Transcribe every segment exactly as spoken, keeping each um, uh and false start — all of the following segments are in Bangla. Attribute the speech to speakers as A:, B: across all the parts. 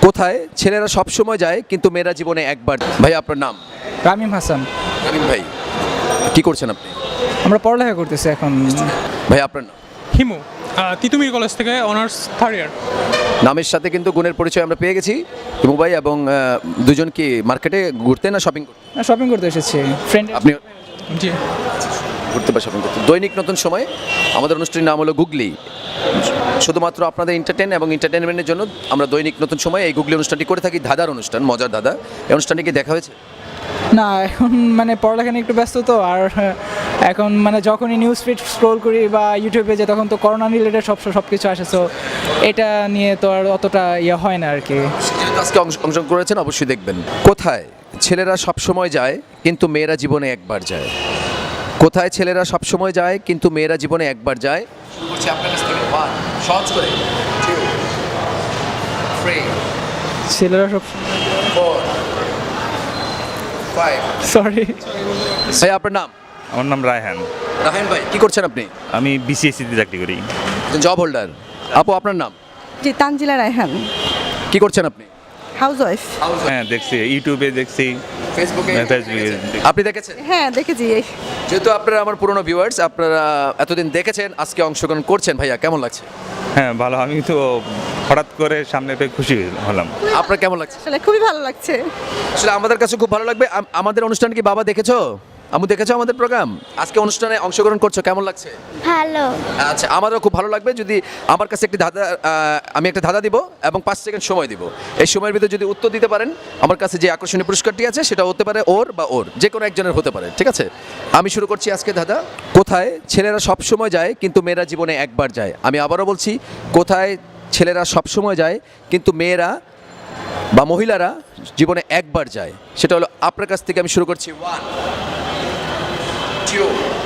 A: কোথায় ছেলেরা সব সময় যায় কিন্তু মেয়েরা জীবনে একবার? ভাই আপনার নাম?
B: রামিম হাসান।
A: রামিম ভাই, কি করছেন আপনি?
B: আমরা পড়ালেখা করতেছি এখন।
A: ভাই আপনার নাম?
C: হিমু, আহ, তিতুমির কলেজ থেকে অনার্স থার্ড ইয়ার।
A: নামের সাথে কিন্তু গুণের পরিচয় আমরা পেয়ে গেছি। হিমু ভাই এবং আহ, দুজন কি মার্কেটে ঘুরতে না শপিং করতে?
B: শপিং করতে এসেছি ফ্রেন্ড।
A: আপনি
C: জি,
A: ঘুরতে বা শপিং করতে? দৈনিক নতুন সময়, আমাদের অনুষ্ঠানের নাম হলো গুগলি। শুধুমাত্র আপনাদের এন্টারটেন এবং এন্টারটেনমেন্টের জন্য আমরা দৈনিক নতুন সময় এই গুগলি অনুষ্ঠানটি করে থাকি। দাদার অনুষ্ঠান, মজার দাদা। এই অনুষ্ঠানটি কি দেখা হয়েছে?
B: না, এখন মানে পড়ালেখা নিয়ে একটু ব্যস্ত তো। আর এখন মানে যখনই নিউজ ফিড স্ক্রোল করি বা ইউটিউবে যে তখন তো করোনা রিলেটেড সব সব কিছু আসে, সো এটা নিয়ে তো আর অতটা ইয়ে হয় না আর কি।
A: যেহেতু আজকে অংশ- অংশগ্রহণ করেছেন অবশ্যই দেখবেন। কোথায় ছেলেরা সব সময় যায় কিন্তু মেয়েরা জীবনে একবার যায়? কোথায় ছেলেরা সব সময় যায় কিন্তু মেয়েরা জীবনে একবার যায়? শুরু করছি আপনার কাছ থেকে। ওয়ান, সহজ করে। টু, থ্রি,
B: ছেলেরা সব
A: ফোর, ফাইভ।
B: সরি।
A: ভাই আপনার নাম?
D: আমার নাম রায়হান।
A: রাহেন ভাই, কি করছেন আপনি?
D: আমি বিসিএসসিতে চাকরি করি।
A: Job holder. আপু আপনার নাম?
E: জি, তানজিলা রায়হান,
A: কি করছেন আপনি?
E: Housewife.
D: হ্যাঁ দেখছি, ইউটিউবে দেখছি,
A: ফেসবুকে?
D: ফেসবুকে দেখছি।
A: আপনি দেখেছেন?
E: হ্যাঁ, দেখেছি। এই-
A: যেহেতু আপনারা আমার পুরনো ভিউয়ার্স, আপনারা এতদিন দেখেছেন, আজকে অংশগ্রহণ করছেন, ভাইয়া কেমন লাগছে?
D: হ্যাঁ ভালো, আমি তো হঠাৎ করে সামনে পেয়ে খুশি হলাম।
A: আপনার কেমন লাগছে?
E: আসলে খুবই ভালো লাগছে।
A: আসলে আমাদের কাছে খুব ভালো লাগবে। আম- আমাদের অনুষ্ঠান কি বাবা দেখেছো? আমু দেখেছো আমাদের প্রোগ্রাম? আজকে অনুষ্ঠানে অংশগ্রহণ করছো, কেমন লাগছে?
F: ভালো।
A: আচ্ছা, আমারও খুব ভালো লাগবে যদি আমার কাছে একটি ধাঁধা, আহ, আমি একটা ধাঁধা দিব এবং পাঁচ সেকেন্ড সময় দিব। এই সময়ের ভিতরে যদি উত্তর দিতে পারেন, আমার কাছে যে আকর্ষণীয় পুরস্কারটি আছে সেটা হতে পারে ওর বা ওর, যে কোনো একজনের হতে পারে। ঠিক আছে, আমি শুরু করছি আজকে ধাঁধা। কোথায় ছেলেরা সব সময় যায় কিন্তু মেয়েরা জীবনে একবার যায়? আমি আবারও বলছি, কোথায় ছেলেরা সব সময় যায় কিন্তু মেয়েরা বা মহিলারা জীবনে একবার যায়? সেটা হলো আপনার কাছ থেকে। আমি শুরু করছি। ওয়ান, টু,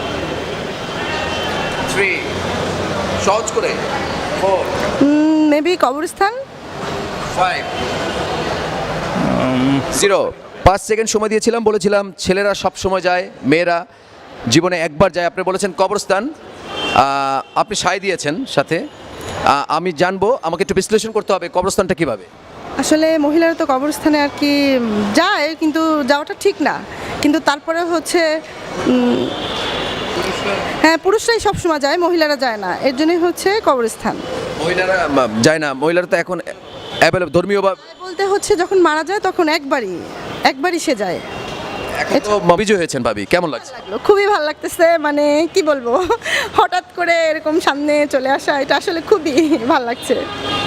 A: থ্রি, সহজ করে। ফোর,
E: মেবি কবরস্থান।
A: Five, zero. পাঁচ সেকেন্ড সময় দিয়েছিলাম, বলেছিলাম ছেলেরা সব সময় যায়, মেয়েরা জীবনে একবার যায়। আপনি বলেছেন কবরস্থান। আহ, আপনি সায় দিয়েছেন সাথে। আহ, আমি জানবো, আমাকে একটু বিশ্লেষণ করতে হবে কবরস্থানটা কিভাবে।
E: আসলে মহিলারা তো কবরস্থানে আর কি যায়, কিন্তু যাওয়াটা ঠিক না। কিন্তু তারপরে হচ্ছে উম, হ্যাঁ, পুরুষরাই সবসময় যায়, মহিলারা যায় না, এর জন্যই হচ্ছে কবরস্থান।
A: মহিলারা আহ, যায় না, মহিলারা তো এখন অ্যাভেলেবল ধর্মীয় বা
E: বলতে হচ্ছে যখন মারা যায় তখন একবারই একবারই সে যায়।
A: এখন তো বিজয় হয়েছেন ভাবি, কেমন লাগছে?
E: খুবই ভালো লাগতেছে, মানে কি বলবো, হঠাৎ করে এরকম সামনে চলে আসা, এটা আসলে খুবই ভালো লাগছে।